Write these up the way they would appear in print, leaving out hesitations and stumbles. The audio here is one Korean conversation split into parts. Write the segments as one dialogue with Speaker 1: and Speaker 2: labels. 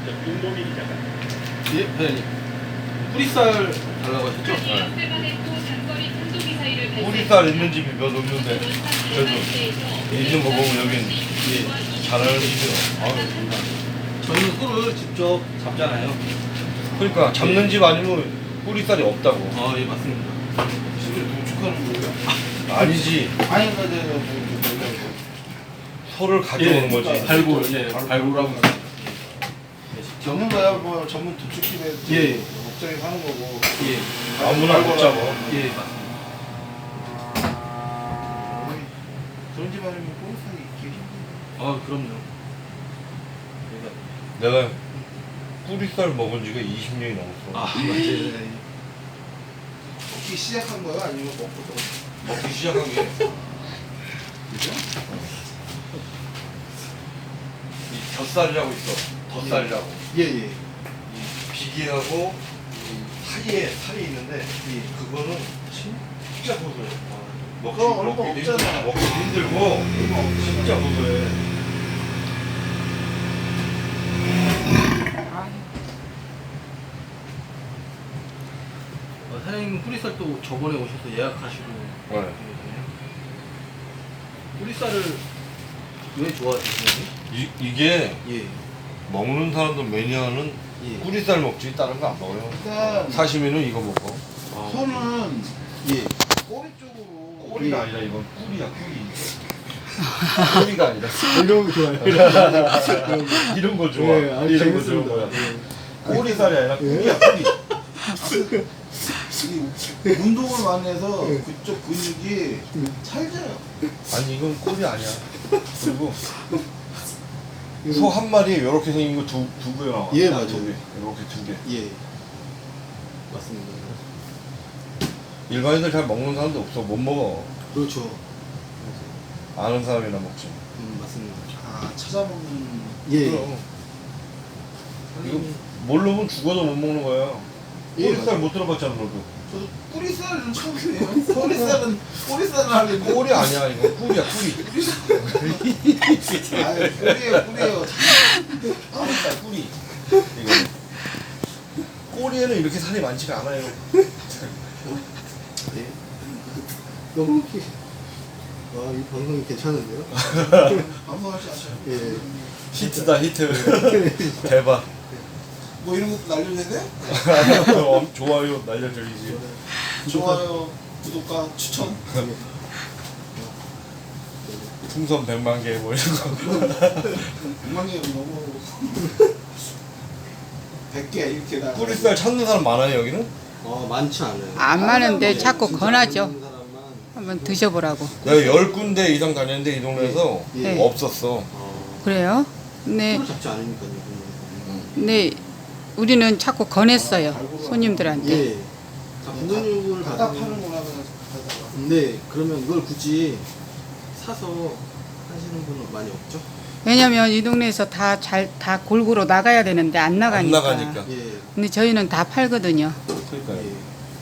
Speaker 1: 예, 회장님. 뿌리살 달라고 하셨죠?
Speaker 2: 뿌리살 있는 집이 몇 없는데 그래도 있는 거 보면 여긴 잘하는 집이요.
Speaker 1: 저희는 소를 직접 잡잖아요.
Speaker 2: 그러니까 잡는 집 아니면 뿌리살이 없다고.
Speaker 1: 아, 예, 맞습니다.
Speaker 3: 집에 농축하는 거예요?
Speaker 2: 아니지.
Speaker 3: 아니, 뭐,
Speaker 2: 소를 가져오는 거지.
Speaker 1: 발굴, 예, 발굴하고 있어요.
Speaker 3: 전문가야 뭐 전문 도축집에
Speaker 1: 예.
Speaker 3: 목장에 사는 거고.
Speaker 1: 예,
Speaker 2: 아무나 못 잡아.
Speaker 1: 예, 맞습니다.
Speaker 3: 그런 집 아니면 꼬리살이 있기 힘들어.
Speaker 1: 아, 그럼요.
Speaker 2: 내가 뿌리살 먹은 지가 20년이 넘었어.
Speaker 1: 아, 맞지.
Speaker 3: 먹기 시작한 거야? 아니면 먹고 또?
Speaker 2: 먹기 시작한 게.
Speaker 3: 그죠?
Speaker 2: 이 젖살이라고 있어. 덧살이라고.
Speaker 3: 예, 예.
Speaker 2: 이 비계하고 이 사이에 살이 있는데 그거는 진짜 고소해.
Speaker 3: 그거 얼마 없잖아.
Speaker 2: 먹기 힘들고 진짜 고소해.
Speaker 1: 사장님 뿌리살 또 저번에 오셔서 예약하시고
Speaker 2: 네.
Speaker 1: 계시네요. 뿌리살을 왜 좋아하시나요?
Speaker 2: 이게
Speaker 1: 예.
Speaker 2: 먹는 사람들 매니아는
Speaker 1: 예.
Speaker 2: 뿌리살 먹지 다른 거 안 먹어요.
Speaker 3: 일단
Speaker 2: 사시미는 이거 먹고.
Speaker 1: 아,
Speaker 3: 소는
Speaker 1: 예.
Speaker 3: 꼬리 쪽으로
Speaker 2: 꼬리가 아니라 이건 꿀이야 꿀이. 꼬리가 아니라.
Speaker 1: 이런 거 좋아해요.
Speaker 2: 이런 거 좋아.
Speaker 1: 예, 아니,
Speaker 2: 이런 거
Speaker 1: 재밌습니다.
Speaker 2: 좋아.
Speaker 1: 예.
Speaker 2: 꼬리살이 아니라 꿀이야 꿀이.
Speaker 3: 이 운동을 많이 해서 그쪽 근육이 찰져요.
Speaker 2: 아니 이건 꿀이 아니야. 그리고 소 한 마리에 이렇게 생긴 거 두 개 나와.
Speaker 1: 예, 맞아요.
Speaker 2: 두 개. 이렇게 두 개.
Speaker 1: 예. 맞습니다.
Speaker 2: 일반인들 잘 먹는 사람도 없어. 못 먹어.
Speaker 1: 그렇죠.
Speaker 2: 아는 사람이나 먹지.
Speaker 1: 맞습니다.
Speaker 3: 아, 찾아먹는.
Speaker 1: 예.
Speaker 2: 그럼. 이거 모르면 죽어도 못 먹는 거야.
Speaker 1: 예,
Speaker 2: 꼬리살
Speaker 1: 맞아요.
Speaker 2: 못 들어봤잖아 너도.
Speaker 3: 저도 뿌리살은 처음이에요. 꼬리살은 하려고.
Speaker 2: 꼬리 아니야 이거 꿀이야 꿀이.
Speaker 3: 아, 꿀이에요.
Speaker 2: 꼬리살 꿀이. 이거. 꼬리에는 이렇게 살이 많지가 않아요.
Speaker 1: 예. 너무 웃기. 와, 이 방송이 괜찮은데요?
Speaker 3: 방송할 줄 아셔요.
Speaker 1: 예.
Speaker 2: 히트다 히트. 대박.
Speaker 3: 뭐 이런 것도 날려야 돼?
Speaker 2: 좋아요 날려드리지.
Speaker 3: 좋아요, 구독과 추천.
Speaker 2: 풍선 100만 개 뭐 이런 거.
Speaker 3: 6만 개 너무 100개 이렇게 다.
Speaker 2: 뿌리살 찾는 사람 많아요 여기는?
Speaker 1: 많지 않아요.
Speaker 4: 안 많은데 자꾸
Speaker 1: 진짜
Speaker 4: 권하죠.
Speaker 1: 없는 사람만.
Speaker 4: 한번 드셔보라고.
Speaker 2: 내가 10군데 이상 다녔는데 이 동네에서
Speaker 1: 예.
Speaker 2: 없었어.
Speaker 4: 그래요? 네,
Speaker 1: 소를 잡지 않으니까요.
Speaker 4: 네, 우리는 자꾸 권했어요. 손님들한테.
Speaker 1: 예. 자, 분근육을
Speaker 3: 갖다
Speaker 1: 받으면.
Speaker 3: 파는구나 그냥 가다가.
Speaker 1: 네, 그러면 이걸 굳이 사서 하시는 분은 많이 없죠?
Speaker 4: 왜냐면 이 동네에서 다 골고루 나가야 되는데 안 나가니까.
Speaker 2: 안 나가니까.
Speaker 1: 예.
Speaker 4: 근데 저희는 다 팔거든요.
Speaker 2: 그러니까요.
Speaker 1: 예.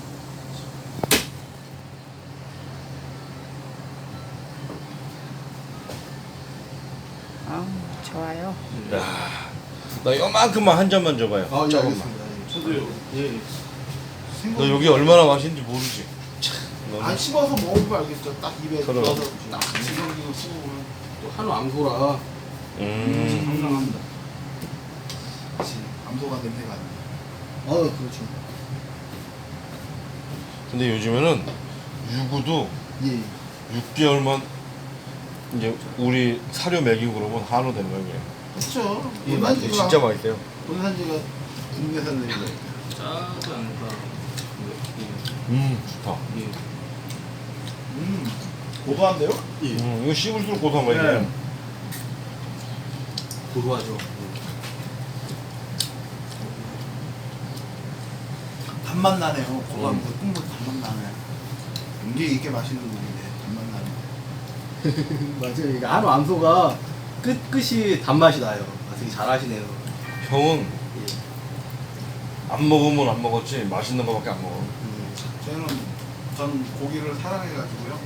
Speaker 4: 아우, 좋아요.
Speaker 2: 야, 나 요만큼만 한 잔만 줘봐요.
Speaker 1: 아, 예,
Speaker 2: 조금만.
Speaker 1: 알겠습니다. 저도요. 예.
Speaker 2: 너 여기 얼마나 맛있는지 모르지?
Speaker 3: 안 씹어서 먹어보면 알겠죠. 딱 입에
Speaker 2: 그럼.
Speaker 3: 넣어서 딱 지성기고 씹어보면
Speaker 1: 또 한우 암소라.
Speaker 3: 상상합니다. 그치. 암소가 냄새가 안 나.
Speaker 1: 그렇죠.
Speaker 2: 근데 요즘에는 유구도
Speaker 1: 예.
Speaker 2: 6개월만 이제 우리 사료 먹이고 그러면 한우 되는 거예요. 그냥.
Speaker 3: 그쵸.
Speaker 1: 예,
Speaker 2: 이게 진짜 맛있어요.
Speaker 3: 본산지가 국내산 냄새.
Speaker 1: 짜지 않을까.
Speaker 2: 좋다.
Speaker 1: 예.
Speaker 3: 고소한데요?
Speaker 1: 예.
Speaker 2: 이거 씹을수록 고소한 거야 이게.
Speaker 3: 네.
Speaker 1: 고소하죠.
Speaker 3: 단맛 나네요. 고소한 거 국물 단맛 나네. 이게 맛있는 고기인데 단맛 나네.
Speaker 1: 맞아요. 이게 한우 암소가 끝이 단맛이 나요. 되게 잘하시네요.
Speaker 2: 형은
Speaker 1: 예.
Speaker 2: 안 먹으면 안 먹었지 맛있는 거밖에 안 먹어.
Speaker 3: 전 고기를 사랑해가지고요.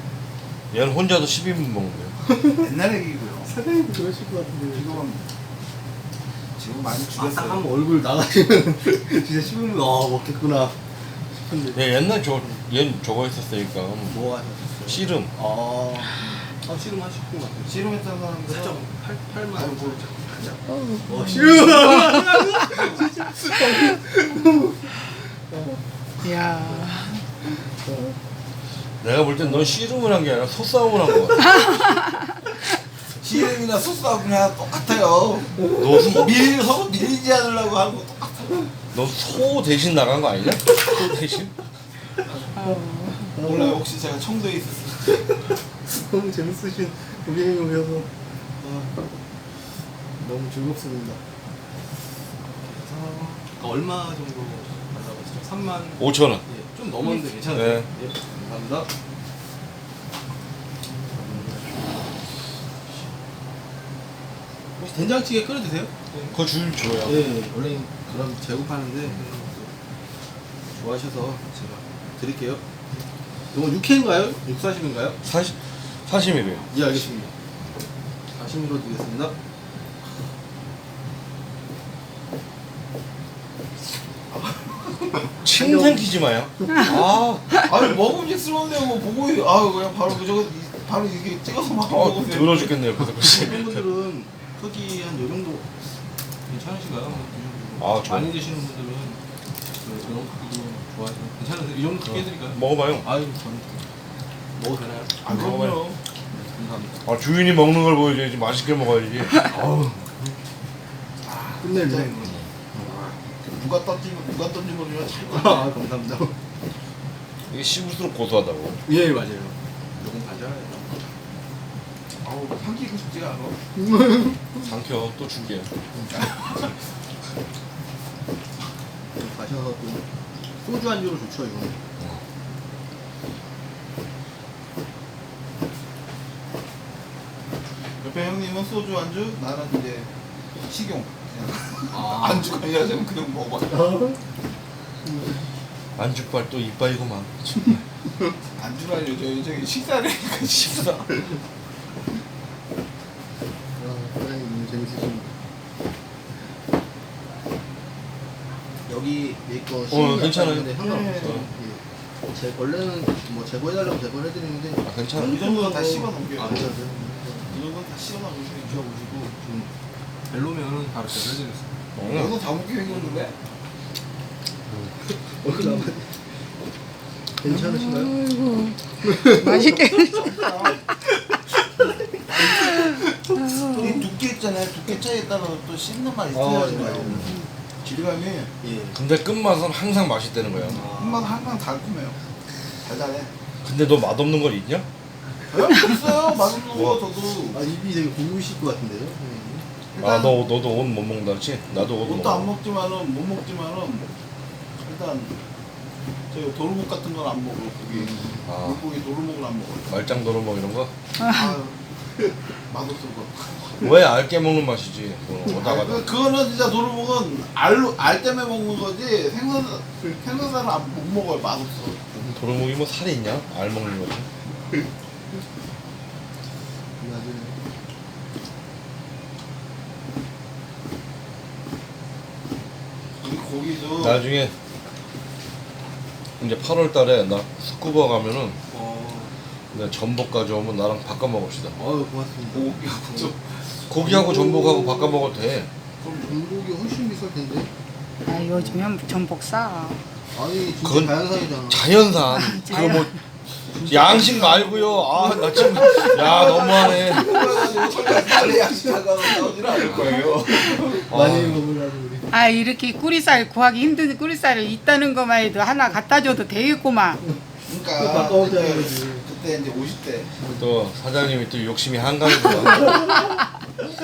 Speaker 2: 얘는 혼자도 12분 먹는데요.
Speaker 3: 옛날 얘기고요.
Speaker 1: 사장님도 그러실 것 같은데.
Speaker 3: 지금은 지금 많이
Speaker 1: 딱
Speaker 3: 줄였어요.
Speaker 1: 한번 얼굴 나가시면 진짜 씹으면 먹겠구나 싶은데.
Speaker 2: 네, 옛날 얘 저거 했었으니까
Speaker 1: 뭐 하셨어요?
Speaker 2: 씨름.
Speaker 1: 씨름 하실 것 같아요.
Speaker 3: 씨름했던 사람들
Speaker 1: 살짝 팔만
Speaker 3: 아이고,
Speaker 1: 살짝. 씨름!
Speaker 4: 이야.
Speaker 2: 내가 볼 땐 넌 씨름을 한 게 아니라 소싸움을 한 거 같아.
Speaker 3: 씨름이나 소싸움이나 똑같아요. 서로 밀리지 않으려고 하는 거 똑같아요.
Speaker 2: 너 소 대신 나간 거 아니냐? 소 대신?
Speaker 3: 몰라요. 혹시 제가 청도에 있었어요.
Speaker 1: 너무 재밌으신 우리 형이어서 너무 즐겁습니다. 그래서 얼마 정도 받아봤죠? 3만
Speaker 2: 5,000원.
Speaker 1: 예, 좀 넘었는데 괜찮아요.
Speaker 2: 네.
Speaker 1: 예, 감사합니다. 혹시 된장찌개 끓여 드세요?
Speaker 2: 그거 줄 줘요.
Speaker 1: 예, 원래 그런 제국하는데 좋아하셔서 제가 드릴게요. 이건 육회인가요? 육사심인가요?
Speaker 2: 사심이래요.
Speaker 1: 예, 알겠습니다. 사심으로 드리겠습니다.
Speaker 2: 침 삼키지 마요.
Speaker 3: 아니 먹음직스러운데 뭐 보고 그냥 바로 이게 찍어서 막 먹으면 돼요.
Speaker 2: 더러 죽겠네요. 그래서
Speaker 1: 어떤 분들은 크기 한 요 정도 괜찮으신가요? 이 정도.
Speaker 2: 좋아요.
Speaker 1: 많이 드시는 분들은 이런 크기도 좋아해서 괜찮으세요? 이 정도 크기 해드릴까요?
Speaker 2: 먹어봐요.
Speaker 1: 아유, 저는 먹어도 되나요?
Speaker 3: 그럼요.
Speaker 1: 감사합니다.
Speaker 2: 주인이 먹는 걸 보여줘야지. 맛있게 먹어야지.
Speaker 1: 끝내주네.
Speaker 3: 누가 던진 거면 잘
Speaker 1: 아, 감사합니다.
Speaker 2: 이게 씹을수록 고소하다고.
Speaker 1: 예, 맞아요. 요건 가져와요.
Speaker 3: 아우 삼키고 싶지가 않아.
Speaker 2: 삼켜. 또 줄게.
Speaker 1: 가셔서 또 소주 안주로 좋죠, 이거.
Speaker 3: 옆에 형님은 소주 안주, 나는 이제 식용. 그냥 안주가 아니라 그냥 먹어.
Speaker 2: 안주빨 또 이빨이고만.
Speaker 3: 안주라뇨. 저기 식사라니까 식사.
Speaker 1: 사장님 재밌으십니다. 여기 내거
Speaker 2: 괜찮아요.
Speaker 1: 상관없어요. 예. 제 원래는 뭐 제거해달라고 제거해드리는데
Speaker 2: 괜찮아.
Speaker 3: 이 정도는 다 씹어 넘겨요.
Speaker 1: 아, 괜찮아요.
Speaker 3: 이 정도는 다 씹어 넘기시면
Speaker 1: 드셔보시고 좀 별로면은 바로 제거해드리겠습니다.
Speaker 3: 너도 다 먹게 생겼는데?
Speaker 1: 괜찮으신가요?
Speaker 4: 아이고. 맛있게.
Speaker 3: 이 두께 있잖아요. 두께 차이에 따라서 또 씹는 맛이
Speaker 1: 아,
Speaker 3: 틀려지나요? 질감이
Speaker 1: 예.
Speaker 2: 근데 끝맛은 항상 맛있다는 거야.
Speaker 3: 한맛 항상 달콤해요. 달달해.
Speaker 2: 근데 너 맛없는 건 있냐?
Speaker 3: 있어요. 맛없는
Speaker 2: 뭐?
Speaker 3: 거 저도.
Speaker 1: 아, 입이 되게 고우실 것 같은데요?
Speaker 3: 일단
Speaker 2: 너도 옷 못 먹는다 그랬지? 나도 옷
Speaker 3: 옷도 안
Speaker 2: 먹어.
Speaker 3: 먹지만은 못 먹지만은 일단 저 도루묵 같은 건 안 먹어요. 고기. 물고기 도루묵을 안 먹어요.
Speaker 2: 말짱 도루묵 이런 거?
Speaker 3: 아유 맛없어 거.
Speaker 2: 왜 알게 먹는 맛이지? 오다가
Speaker 3: 그거는 진짜 도루묵은 알 때문에 먹는 거지 생선살은 못 먹어요. 맛없어.
Speaker 2: 도루묵이 뭐 살이 있냐? 알 먹는 거지.
Speaker 3: 우리 고기도
Speaker 2: 나중에 이제 8월 달에 나 스쿠버 가면은 내가 전복 가져오면 나랑 바꿔 먹읍시다.
Speaker 1: 아유, 고맙습니다.
Speaker 2: 고기하고 전복하고 바꿔 먹어도 돼.
Speaker 1: 그럼 전복이 훨씬 비쌀 텐데.
Speaker 4: 아, 요즘엔 전복 싸.
Speaker 1: 아니, 진짜
Speaker 2: 그건
Speaker 1: 자연산이잖아.
Speaker 2: 자연산. 그거 뭐 양식 말고요. 나 지금 너무하네.
Speaker 3: 빨리 양식하고 나오지는 않을 거예요.
Speaker 1: 많이 먹으려고 우리.
Speaker 4: 아, 이렇게 꾸리살 구하기 힘든 꾸리살이 있다는 것만 해도 하나 갖다 줘도 되겠구만.
Speaker 3: 그러니까
Speaker 1: 바꿔오자는 거지.
Speaker 3: 그때 이제 50대.
Speaker 2: 또 사장님이 또 욕심이 한가하구나.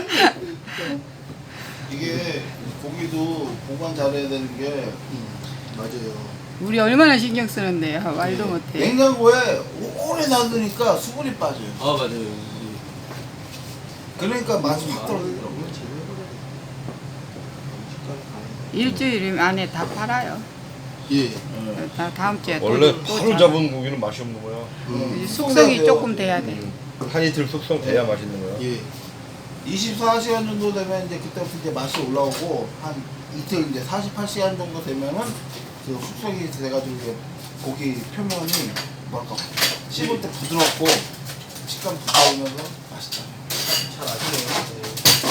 Speaker 3: 이게 고기도 보관 잘해야 되는 게
Speaker 1: 맞아요.
Speaker 4: 우리 얼마나 신경 쓰는데요. 말도 못해.
Speaker 3: 냉장고에 오래 놔두니까 수분이 빠져요.
Speaker 1: 아, 맞아요.
Speaker 3: 그러니까 맛이 확 떨어지더라고요.
Speaker 4: 일주일 안에 다 팔아요.
Speaker 1: 예.
Speaker 4: 다음 주에
Speaker 2: 원래
Speaker 4: 또
Speaker 2: 바로 잡은 고기는 맛이 없는 거야.
Speaker 4: 숙성이 조금 돼야 돼.
Speaker 2: 한 이틀 숙성돼야 맛있는 거야.
Speaker 1: 예.
Speaker 3: 24시간 정도 되면 이제 그때부터 이제 맛이 올라오고 한 이틀 이제 48시간 정도 되면은 그 숙성이 돼가지고 이제 고기 표면이 뭐랄까 씹을 때 부드럽고 식감 부드러우면서 맛있다.
Speaker 1: 잘 아시네요.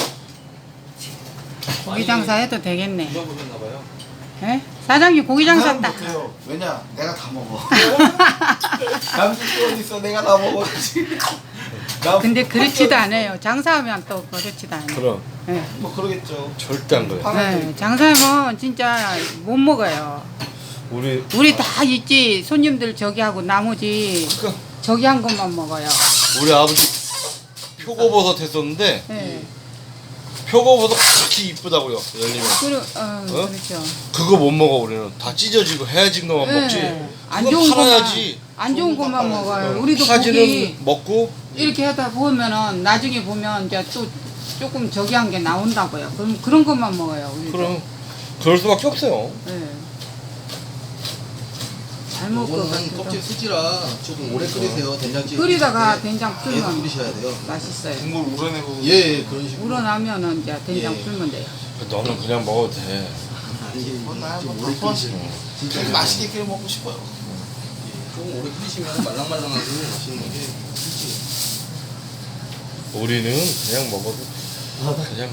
Speaker 4: 고기 장사 해도 되겠네.
Speaker 1: 드셔보셨나봐요.
Speaker 4: 예? 사장님 고기 장사
Speaker 3: 장사는
Speaker 4: 딱.
Speaker 3: 못해요. 왜냐? 내가 다 먹어. 남식도 어디 있어? 내가 다 먹어.
Speaker 4: 근데 그렇지도 않아요. 장사하면 또 그렇지도 않아요.
Speaker 2: 그럼
Speaker 4: 예.
Speaker 3: 뭐 그러겠죠.
Speaker 2: 절대 안 그래.
Speaker 4: 예, 장사하면 진짜 못 먹어요. 우리 다 있지. 손님들 저기 하고 나머지
Speaker 2: 그러니까
Speaker 4: 저기 한 것만 먹어요.
Speaker 2: 우리 아버지 표고버섯 했었는데
Speaker 4: 예.
Speaker 2: 표고버섯 그렇게 이쁘다고요 열리면
Speaker 4: 그렇죠.
Speaker 2: 그거 못 먹어 우리는 다 찢어지고 헤어진 것만
Speaker 4: 예.
Speaker 2: 먹지.
Speaker 4: 안
Speaker 2: 그건
Speaker 4: 좋은
Speaker 2: 팔아야지.
Speaker 4: 것만 안 좋은 것만 먹어요. 우리도
Speaker 2: 파지는
Speaker 4: 고기
Speaker 2: 먹고
Speaker 4: 이렇게 하다 보면은 나중에 보면 이제 또 조금 저기 한 게 나온다고요. 그럼 그런 것만 먹어요. 우리도.
Speaker 2: 그럼 그럴 수밖에 없어요.
Speaker 4: 예. 잘 먹을 것
Speaker 1: 이거는 껍질
Speaker 4: 같아요.
Speaker 1: 수지라 조금 오래 끓이세요. 된장찌개.
Speaker 4: 끓이다가
Speaker 1: 끓일 때
Speaker 4: 된장
Speaker 1: 계속
Speaker 4: 풀면
Speaker 1: 끓이셔야 돼요.
Speaker 4: 맛있어요.
Speaker 3: 국물 우러내고.
Speaker 1: 예, 그런 식으로.
Speaker 4: 우러나면은 이제 된장
Speaker 1: 예.
Speaker 4: 풀면 돼요.
Speaker 2: 너는 그냥 먹어도 돼.
Speaker 1: 이게
Speaker 3: 나야
Speaker 1: 좀
Speaker 3: 뭐
Speaker 1: 오래
Speaker 3: 다
Speaker 1: 끓이시면
Speaker 3: 진짜 맛있게 끓여 먹고 싶어요.
Speaker 1: 조금 오래 끓이시면 말랑말랑하고 맛있는 게 수지.
Speaker 2: 우리는 그냥 먹어도 그냥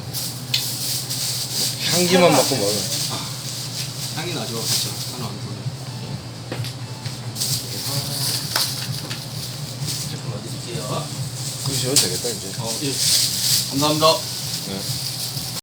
Speaker 2: 향기만 맡고 먹어.
Speaker 1: 향이 나죠, 그렇죠. 하나 안 보네. 제품 어드릴게요.
Speaker 2: 끄셔도 되겠다 이제.
Speaker 1: 예. 감사합니다.
Speaker 2: 네.